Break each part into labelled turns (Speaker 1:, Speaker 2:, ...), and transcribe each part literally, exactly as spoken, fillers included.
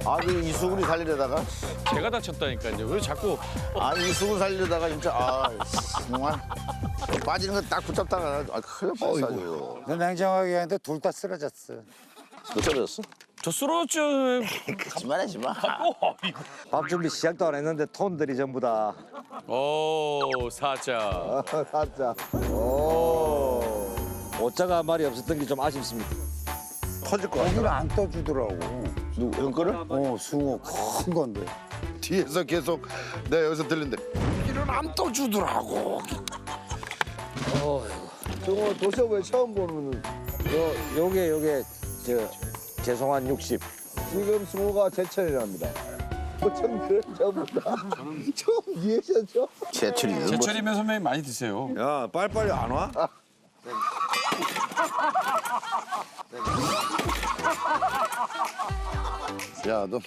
Speaker 1: 아니 이수근이 살리려다가
Speaker 2: 제가 다쳤다니까요. 왜 자꾸
Speaker 1: 아니 이수근 살리려다가 진짜 아 정말 빠지는 거 딱 붙잡다가 아 큰일 날 뻔했어.
Speaker 3: 너 냉정하게 하는데 둘 다 쓰러졌어.
Speaker 1: 너 떨어졌어?
Speaker 2: 저 쓰러졌죠.
Speaker 1: 거짓말하지 마.
Speaker 4: 밥 준비 시작도 안 했는데 톤들이 전부 다.
Speaker 2: 오 사자.
Speaker 4: 가자. 오. 오자가 말이 없었던 게 좀 아쉽습니다.
Speaker 1: 터질 거 같아.
Speaker 3: 고기를 안 떠주더라고.
Speaker 1: 누구 형 거를?
Speaker 3: 어, 숭어 큰 건데.
Speaker 1: 뒤에서 계속 내가 여기서 들린대. 이런 안 떠주더라고.
Speaker 4: 저거 도시업에 처음 보는. 요 요게 요게 저 죄송한 육십. 지금 숭어가 제철이랍니다. 좀 그런 저보다 좀 이해하셨죠?
Speaker 1: 제철이.
Speaker 2: 제철이면 선배님 많이 드세요.
Speaker 4: 야 빨리빨리 안 와?
Speaker 1: 야 너는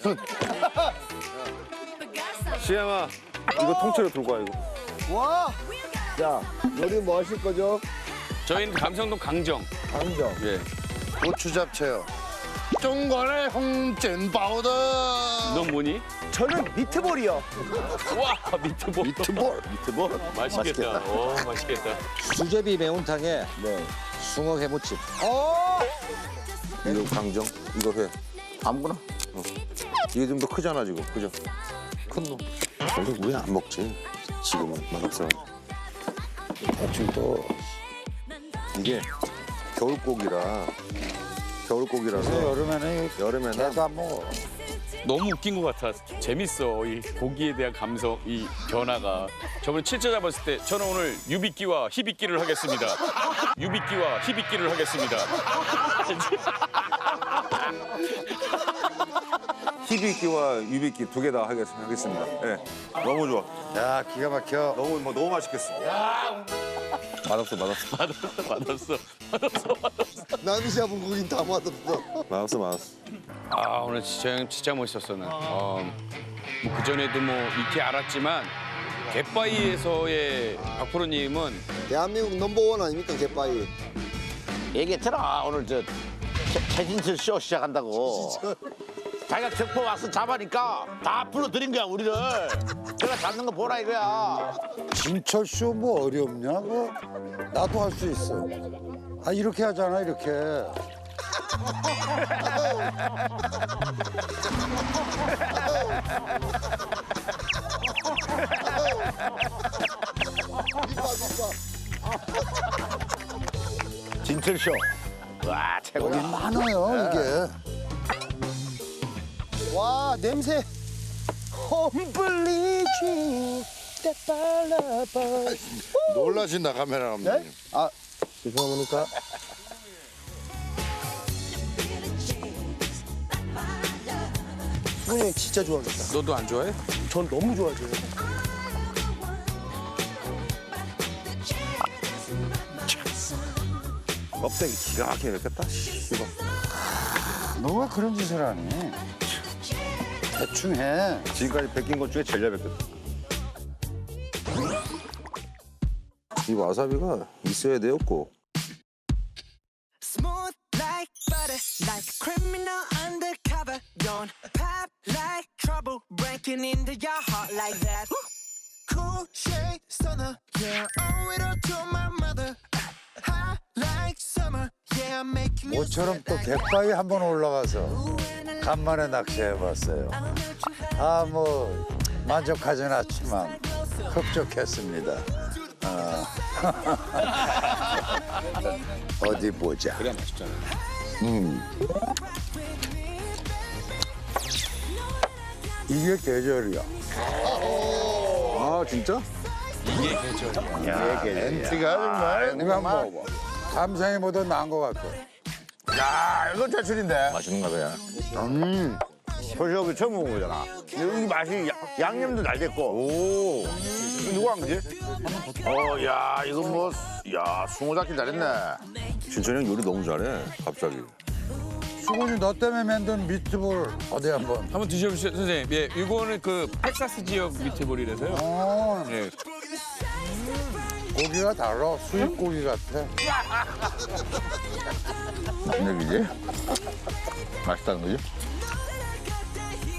Speaker 4: 시영아 이거 통째로 들고 와 이거. 와. 자 요리 뭐 하실 거죠?
Speaker 2: 저희는 감성동 강정.
Speaker 4: 강정.
Speaker 2: 예.
Speaker 1: 고추 잡채요. 중간에 홍찐 파우더.
Speaker 2: 넌 뭐니?
Speaker 4: 저는 미트볼이요.
Speaker 2: 와 미트볼.
Speaker 1: 미트볼. 미트볼.
Speaker 2: 맛있겠다. 오 맛있겠다.
Speaker 4: 수제비 매운탕에 네. 숭어 회무침.
Speaker 3: 어!
Speaker 4: 이거 강정, 이거 회.
Speaker 1: 아무거나.
Speaker 4: 이게 좀 더 크잖아 지금, 그죠? 큰 놈.
Speaker 1: 근데 왜 안 먹지? 지금은 맛없어.
Speaker 4: 대충 또 이게 겨울고기라 겨울고기라서
Speaker 3: 여름에는
Speaker 4: 여름에는
Speaker 3: 개도 안 먹어.
Speaker 2: 너무 웃긴 것 같아. 재밌어. 이 고기에 대한 감성, 이 변화가. 저번에 칠자 잡았을 때 저는 오늘 유비끼와 희비끼를 하겠습니다. 유비끼와 희비끼를 하겠습니다.
Speaker 4: 희비끼와 유비끼 두 개 다 하겠습니다. 예, 너무 좋아.
Speaker 3: 야, 기가 막혀.
Speaker 4: 너무 뭐 너무 맛있겠어. 맛없어, 맛없어,
Speaker 2: 맛없어, 맛없어, 맛없어, 맛없어.
Speaker 3: 남이 잡은 고긴 다 맛없어.
Speaker 4: 맛없어, 맛없어.
Speaker 2: 아 오늘 진짜 형 진짜 멋있었어 난. 어, 뭐 그전에도 뭐 익히 알았지만 갯바위에서의 박프로님은
Speaker 3: 대한민국 넘버원 아닙니까, 갯바위?
Speaker 1: 얘기했잖아 오늘 저 최, 최진철 쇼 시작한다고. 자기가 격포 와서 잡으니까 다 불러들인 거야 우리를. 내가 잡는 거 보라 이거야.
Speaker 3: 진철 쇼 뭐 어렵냐? 그 나도 할 수 있어. 아, 이렇게 하잖아, 이렇게.
Speaker 1: 진철 쇼. 와
Speaker 3: 여기
Speaker 1: 최고다.
Speaker 3: 많아요, 이게. 와, 냄새. 홈블리지.
Speaker 1: 놀라신다 카메라 감독님.
Speaker 3: 네? 아, 죄송합니까? 수근이 형 진짜 좋아하겠다.
Speaker 2: 너도 안 좋아해?
Speaker 3: 전 너무 좋아해요.
Speaker 4: 껍데기 기가 막히게 맵겠다. 이거.
Speaker 3: 너가 그런 짓을 하니? 대충 해.
Speaker 4: 지금까지 뺏긴 것 중에 제일 잘 뺏겼다. 이 와사비가 있어야 되었고.
Speaker 5: Smooth like butter, like a criminal undercover. Don't pop like trouble, breaking into your heart like that. Cool shade stunner, yeah, owe it all to my mother. Hot like summer, yeah, making you
Speaker 3: 모처럼 또 갯바위 한번 올라가서 간만에 낚시해봤어요. 아, 뭐 만족하진 않지만 흡족했습니다. 어. 어디 보자.
Speaker 2: 그래야 맛있잖아.
Speaker 3: 이게 계절이야.
Speaker 4: 아 진짜?
Speaker 2: 이게 계절이야.
Speaker 1: 엔티가 정말.
Speaker 3: 이거 한번 먹어봐. 감상이보다 나은 것 같아.
Speaker 1: 야 이건 제출인데.
Speaker 4: 맛있는가 봐요.
Speaker 1: 음. 소시오비 처음 먹어보잖아. 이 맛이 야, 양념도 잘 됐고. 오. 이거 누구 한 거지? 어, 야, 이거 뭐, 야, 숭어 잡기 잘했네.
Speaker 4: 진철이 형 요리 너무 잘해. 갑자기.
Speaker 3: 수근이 너 때문에 만든 미트볼 어디 한번.
Speaker 2: 한번 드셔보세요 선생님. 예, 이거는 그 텍사스 지역 미트볼이라서요.
Speaker 3: 어,
Speaker 2: 예.
Speaker 3: 고기가 달라. 수입 고기 같아.
Speaker 1: 무슨 얘기지? 맛있다는 거지?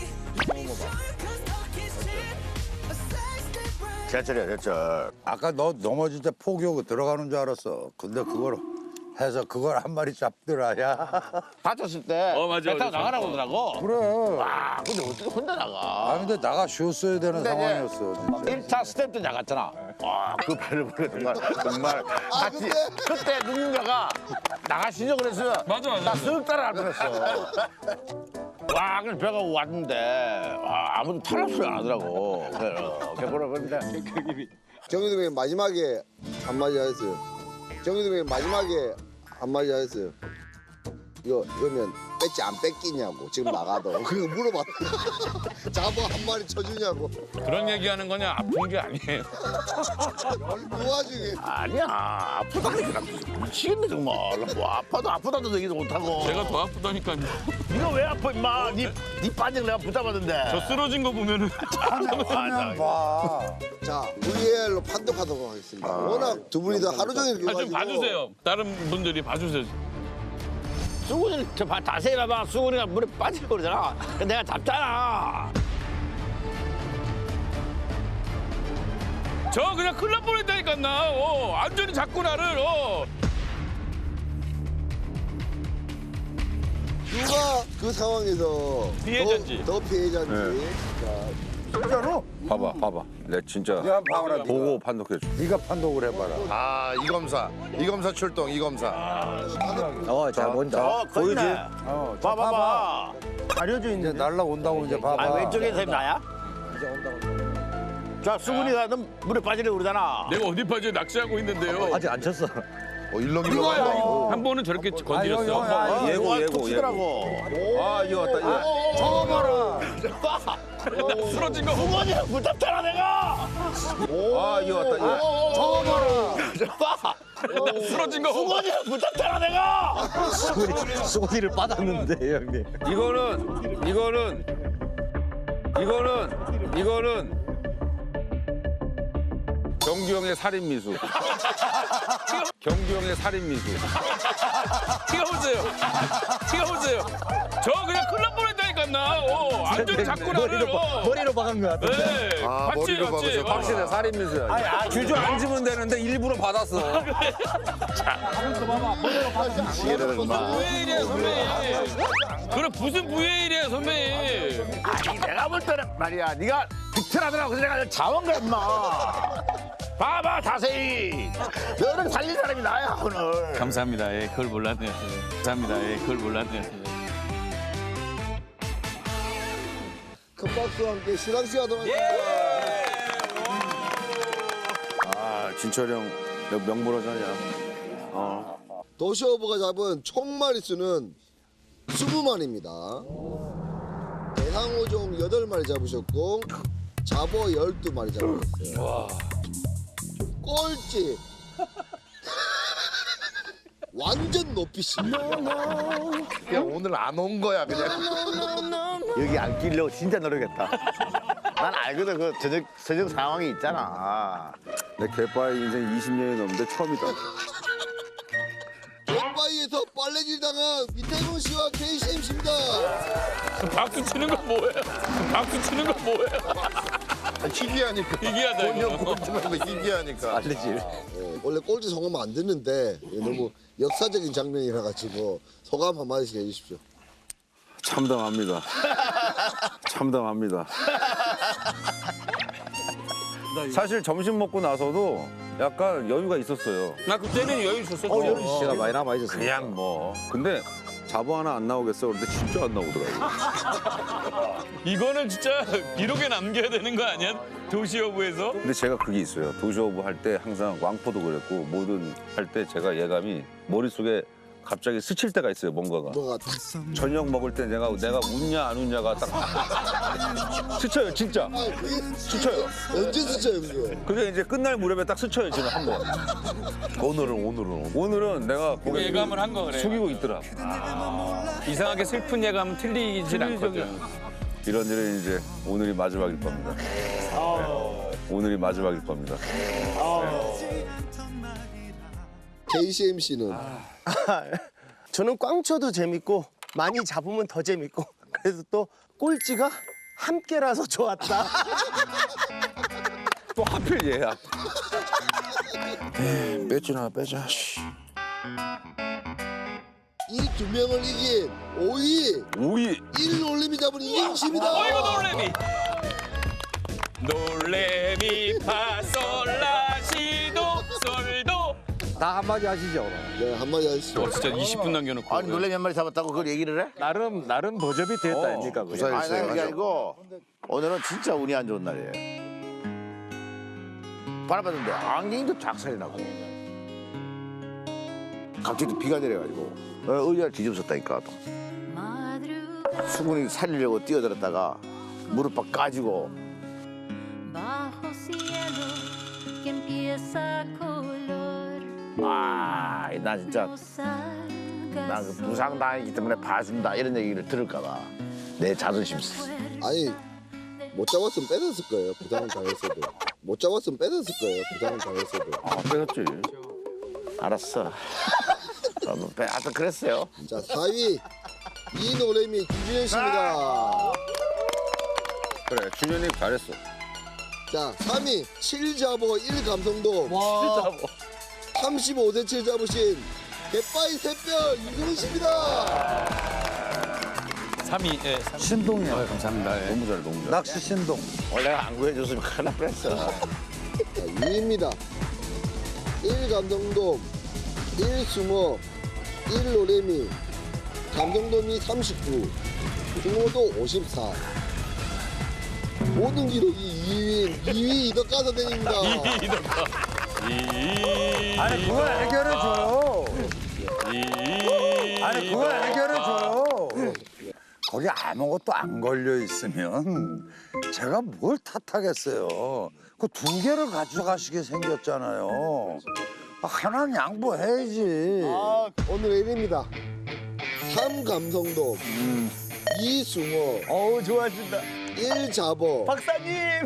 Speaker 1: 제철이야 제철.
Speaker 3: 아까 너 넘어질 때 포기하고 들어가는 줄 알았어. 근데 그걸 해서 그걸 한 마리 잡더라, 야.
Speaker 1: 다쳤을 때
Speaker 2: 어, 맞아,
Speaker 1: 배 타고
Speaker 2: 맞아.
Speaker 1: 나가라고 그러더라고.
Speaker 3: 그래.
Speaker 1: 와 근데 어떻게 혼자 나가?
Speaker 3: 아, 근데 나가 쉬었어야 되는
Speaker 1: 근데 이제
Speaker 3: 상황이었어. 진짜.
Speaker 1: 일 차 스텝 때 나갔잖아. 와, 그 배를 보고 정말 정말 같이 그때 누군가가 나가시죠 그랬으면
Speaker 2: 맞아, 맞아.
Speaker 1: 나쓱 따라갈 뻔했어. 와, 그래 배가 왔는데 와, 아무도 탈락 소리 안 하더라고. 그래서 개보라 그런데
Speaker 6: 정윤도 형님 마지막에 한마디 하였어요. 정윤도 형님 마지막에 한마디 하였어요. 이거 이러면 뺏지 안 뺏기냐고 지금 나가도 그거 물어봤다. 잡아 한 마리 쳐주냐고.
Speaker 2: 그런 얘기하는 거냐? 아픈 게 아니에요.
Speaker 6: 그 와중에
Speaker 1: 아니야 아프다니까 미치겠네 정말. 뭐 아파도 아프다도 얘기도 못하고.
Speaker 2: 제가 더 아프다니까요.
Speaker 1: 네가 왜 아파 임마? 네, 네 반장 내가 붙잡았는데.
Speaker 2: 저 쓰러진 거 보면은
Speaker 3: 하면 봐.
Speaker 6: 자 브이에이알로 판독하도록 하겠습니다. 워낙 두 분이 다 하루 종일
Speaker 2: 아, 좀
Speaker 6: 가지고
Speaker 2: 봐주세요. 다른 분들이 봐주세요.
Speaker 1: 수근이 저 봐, 자세히 봐봐. 수근이가 물에 빠지고 그러잖아. 내가 잡잖아.
Speaker 2: 저 그냥 큰일 날 뻔했다니까 나. 어, 안전히 잡고 나를. 어.
Speaker 6: 누가 그 상황에서
Speaker 2: 피해자인지.
Speaker 6: 더, 더 피해자인지.
Speaker 3: 진짜로?
Speaker 7: 봐봐, 봐봐. 내 진짜
Speaker 3: 야, 봐봐라.
Speaker 7: 보고 판독해줘.
Speaker 3: 네가 판독을 해봐라.
Speaker 7: 아, 이 검사. 이 검사 출동, 이 검사.
Speaker 4: 어, 자, 먼저.
Speaker 1: 어, 보이지?
Speaker 3: 어, 자,
Speaker 1: 봐봐봐.
Speaker 3: 가려져 있는데. 이제 날라온다고 이제 봐봐.
Speaker 1: 아, 왼쪽에 선 나야? 자, 수근이가 너 물에 빠지려고 그러잖아.
Speaker 2: 내가 어디 빠져 낚시하고 있는데요.
Speaker 4: 아직 안 쳤어.
Speaker 7: 어, 일렁일렁 한다.
Speaker 2: 한 번은 저렇게 건드렸어.
Speaker 3: 형, 형, 아,
Speaker 7: 예고,
Speaker 1: 와,
Speaker 7: 예고,
Speaker 1: 툭치더라고.
Speaker 7: 아, 이거 왔다. 이거.
Speaker 3: 저거 봐라.
Speaker 2: 나 쓰러진 거 보고.
Speaker 1: 수근이를 붙잡잖아, 내가.
Speaker 7: 아, 이거 왔다. 이거.
Speaker 3: 저거 봐라.
Speaker 2: 나 쓰러진 거 보고.
Speaker 1: 수근이를 붙잡잖아, 내가.
Speaker 4: 수고리를 빠졌는데, 형님.
Speaker 7: 이거는, 이거는, 이거는, 이거는 경규 형의 살인 미수. 경규 형의 살인 미수.
Speaker 2: 튀어보세요. 튀어보세요. 저 그냥 큰일 날 뻔했다니까 나. 어, 안전히 잡고 나를.
Speaker 4: 머리로, 봐-
Speaker 2: 어.
Speaker 4: 머리로 박은 거 같은데.
Speaker 2: 네.
Speaker 7: 아,
Speaker 2: 봤지,
Speaker 7: 머리로
Speaker 2: 봤지.
Speaker 7: 박으셔.
Speaker 2: 어.
Speaker 7: 확실해, 살인 미수야.
Speaker 3: 아,
Speaker 7: 주저 앉으면 되는데 일부러 받았어.
Speaker 1: 얘를 마.
Speaker 2: 브이에일이야 선배님. 그래 무슨 브이에일이야 선배님.
Speaker 1: 아니, 내가 볼 때는 말이야. 네가 비틀하더라고. 그래서 내가 잡은 거야, 임마. 봐봐, 자세히. 너를 살린 사람이 나야, 오늘.
Speaker 2: 감사합니다. 예, 그걸 몰랐네요. 감사합니다. 예, 그걸 몰랐네요.
Speaker 6: 큰 박수와 함께 시상식하도록
Speaker 7: 예.
Speaker 6: 하겠습니다.
Speaker 7: 아, 진철이 형, 너 명불허전이야.
Speaker 6: 도시오브가 잡은 총 마리수는 스무 마리입니다. 대상어종 여덟 마리 잡으셨고 잡어 열두 마리 잡으셨어요. 꼴찌 완전 높이십니다.
Speaker 7: 그냥 오늘 안 온 거야, 그냥.
Speaker 1: 여기 안 끼려고 진짜 노력했다. 난 알거든, 그 저녁, 저녁 상황이 있잖아.
Speaker 7: 내 개빠의 인생 이십 년이 넘는데 처음이다.
Speaker 6: get바이에서 빨래질 당한 이태곤 씨와 케이씨엠씨입니다.
Speaker 2: 박수 치는 건 뭐예요? 박수 치는 건 뭐예요?
Speaker 7: 희귀하니까.
Speaker 2: 희귀하다, 이거.
Speaker 7: 본연 꼴찌라고 희귀하니까.
Speaker 4: 알레질.
Speaker 6: 예, 원래 꼴찌 성하면 안 되는데 예, 너무 역사적인 장면이라 가지고 소감 한마디씩 해주십시오.
Speaker 7: 참담합니다. 참담합니다. 사실 점심 먹고 나서도 약간 여유가 있었어요.
Speaker 2: 나 그때는 여유 있었어.
Speaker 4: 시가 많이 남아 있었어요.
Speaker 7: 그냥 뭐. 근데 잡어 하나 안 나오겠어. 그런데 진짜 안 나오더라고요.
Speaker 2: 이거는 진짜 기록에 남겨야 되는 거 아니야? 도시어부에서?
Speaker 7: 근데 제가 그게 있어요. 도시오브 할 때 항상 왕포도 그랬고 뭐든 할 때 제가 예감이 머릿속에 갑자기 스칠 때가 있어요. 뭔가가.
Speaker 6: 뭐가 딱
Speaker 7: 저녁 먹을 때 내가 내가 웃냐 안 웃냐가 딱 스쳐요. 진짜.
Speaker 6: 아, 그게
Speaker 7: 스쳐요.
Speaker 6: 언제 스쳐요 그게?
Speaker 7: 그게 이제 끝날 무렵에 딱 스쳐요. 지금 한 번. 오늘은 오늘은 오늘은 내가 고개
Speaker 2: 예감을 한 거 그래.
Speaker 7: 숙이고 있더라.
Speaker 2: 이상하게 슬픈 예감은 틀리진 않거든.
Speaker 7: 이런 일은 이제 오늘이 마지막일 겁니다. 네. 오늘이 마지막일 겁니다.
Speaker 6: 케이씨엠씨는
Speaker 8: 저는 꽝 쳐도 재밌고 많이 잡으면 더 재밌고 그래서 또 꼴찌가 함께라서 좋았다.
Speaker 7: 또 하필 얘야.
Speaker 1: 빼지나 빼자. 씨.
Speaker 6: 이 두 명을 이긴 오위
Speaker 7: 오이.
Speaker 6: 일 올림이 잡은 이행시입니다.
Speaker 2: 어이구 놀래미. 놀래미 파솔라시도 솔도.
Speaker 4: 다 한마디 하시죠.
Speaker 6: 네, 한마디 하시죠.
Speaker 2: 어, 진짜 이십 분 남겨놓고.
Speaker 1: 아니 놀래미 한 마리 잡았다고 그걸 얘기를 해?
Speaker 4: 나름 나름 버접이 됐다 아닙니까? 그게?
Speaker 1: 아니 나 그게 아니고 오늘은 진짜 운이 안 좋은 날이에요. 바라봤는데 안경도 작살이 나고 갑자기 또 비가 내려가지고 어, 의자를 뒤집었다니까. 수근이 살리려고 뛰어들었다가 무릎 까지고 아, 나 진짜 나 그 부상 당했기 때문에 봐준다 이런 얘기를 들을까봐 내 자존심
Speaker 6: 아니 못 잡았으면 뺏었을 거예요. 부상을 당했어도. 못 잡았으면 뺏었을 거예요. 부상을 당했어도.
Speaker 7: 아, 뺏었지.
Speaker 1: 알았어. 저는 빼- 하여튼 그랬어요.
Speaker 6: 자, 사 위 이노래미 김준현 씨입니다.
Speaker 7: 그래, 준현이 잘했어.
Speaker 6: 자, 삼 위 칠 잡어 일 감성도 삼십오 센티미터 잡으신 갯바위 샛별 이승훈 씨입니다.
Speaker 2: 삼 위. 예.
Speaker 3: 신동이야.
Speaker 2: 감사합니다. 예.
Speaker 7: 너무 잘해, 너무 잘해.
Speaker 3: 낚시 신동.
Speaker 1: 원래 안 구해줬으면 큰일 날 뻔했어.
Speaker 6: 자, 이 위입니다. 일 감성돔, 일 숭어, 일 노래미, 감성돔이 삼십구, 숭어도 오십사. 모든 기록이 이 위인 이 위 이덕가사대입니다.
Speaker 2: 이덕화. 이.
Speaker 3: 아니 그걸 해결해줘요.
Speaker 2: 이.
Speaker 3: 아니 그걸 해결해줘요. 거기 아무것도 안 걸려 있으면 제가 뭘 탓하겠어요. 그 두 개를 가져가시게 생겼잖아요. 하나는 양보해야지.
Speaker 6: 아, 오늘의 일 위입니다. 삼 감성돔, 이 숭어,
Speaker 8: 어우 좋아하신다.
Speaker 6: 일 잡어.
Speaker 8: 박사님.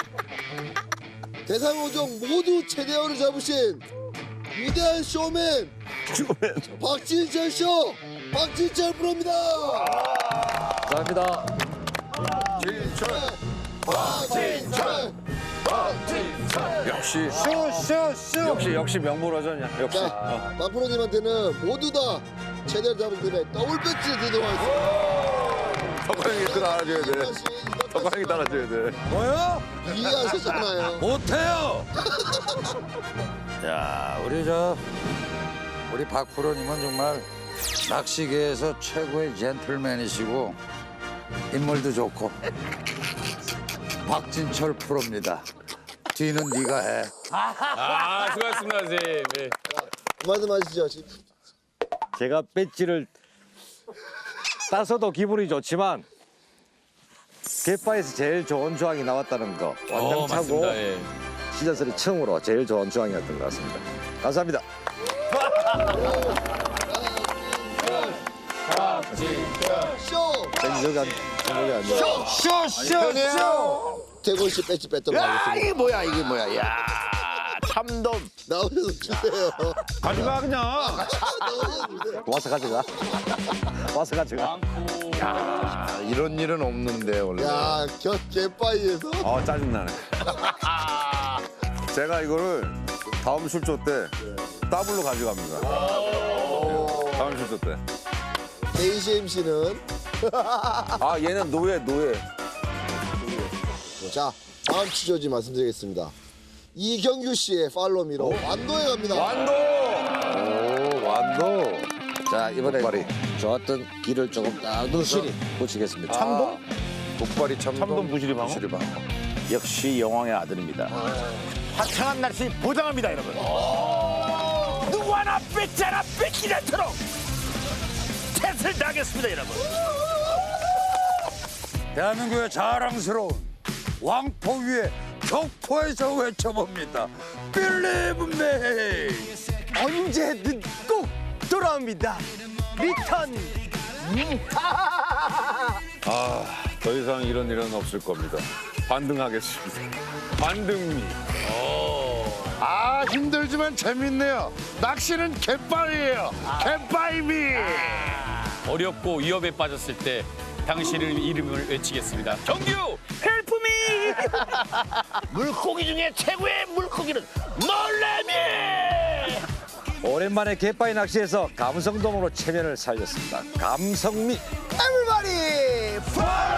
Speaker 6: 대상 오 종 모두 최대어를 잡으신 위대한 쇼맨 박진철 쇼 박진철 프로입니다.
Speaker 4: 감사합니다.
Speaker 6: 박진철 박진철.
Speaker 7: 역시,
Speaker 3: 쇼쇼쇼.
Speaker 7: 역시, 역시 명불허전이야. 역시.
Speaker 6: 자, 박 프로님한테는 모두 다 최대를 잡은 팀에 더블 배치를 드리도록 하겠습니다.
Speaker 7: 덕광이 따라줘야 돼. 덕광이 따라줘야 돼.
Speaker 3: 뭐요?
Speaker 6: 이해하셨잖아요.
Speaker 3: 못해요. 야 우리 저 우리 박 프로님은 정말 낚시계에서 최고의 젠틀맨이시고 인물도 좋고 박진철 프로입니다. 뒤는 네가 해.
Speaker 2: 아, 수고하셨습니다, 선생님. 예.
Speaker 6: 말씀하시죠. 지금.
Speaker 4: 제가 배지를 따서도 기분이 좋지만 갯바에서 제일 좋은 조항이 나왔다는 거
Speaker 2: 어,
Speaker 4: 완전 차고
Speaker 2: 맞습니다. 예.
Speaker 4: 시즌 삼 처음으로 제일 좋은 조항이었던 것 같습니다. 감사합니다.
Speaker 6: 쇼
Speaker 4: 생각이 안 생각이 안 나.
Speaker 3: 쇼쇼쇼.
Speaker 6: 태곤 씨 배치 뺐도록
Speaker 1: 야
Speaker 6: 하겠습니다.
Speaker 1: 이게 뭐야 이게 뭐야. 야 참돔.
Speaker 6: 나오셔서 주세요.
Speaker 7: 가져가, 그냥.
Speaker 4: 와서 가져가. 와서 가져가.
Speaker 1: 야 이런 일은 없는데 원래.
Speaker 6: 야, 겨 갯바위에서
Speaker 7: 아, 짜증나네. 제가 이거를 다음 출조 때 더블로 가져갑니다. 다음 출조 때.
Speaker 6: 케이씨 엠씨는
Speaker 7: 아, 얘는 노예, 노예.
Speaker 6: 자, 다음 취조지 말씀드리겠습니다. 이경규 씨의 팔로미로 완도에 갑니다.
Speaker 7: 완도!
Speaker 4: 오 완도. 자 이번에 독발이 좋았던 길을 조금 딱 부실히 붙이겠습니다.
Speaker 7: 참돔? 독발이 참돔. 참돔 부시리 방어? 부시리 방어.
Speaker 1: 역시 여왕의 아들입니다. 화창한 날씨 보장합니다 여러분. 누구 하나 뺏지 않아 뺏기지 않도록 탓을 당했습니다 여러분.
Speaker 3: 대한민국의 자랑스러운 왕포 위에 격포에서 외쳐봅니다. Believe me.
Speaker 8: 언제든 꼭 돌아옵니다. 리턴.
Speaker 7: 아, 더 이상 이런 일은 없을 겁니다. 반등하겠습니다. 반등미.
Speaker 1: 아 힘들지만 재밌네요. 낚시는 갯바위예요. 갯바위미.
Speaker 2: 어렵고 위협에 빠졌을 때 당신의 이름을 외치겠습니다. 정규 헬프미.
Speaker 1: 물고기 중에 최고의 물고기는 놀래미.
Speaker 9: 오랜만에 갯바위 낚시에서 감성돔으로 체면을 살렸습니다. 감성미.
Speaker 8: Everybody, fly!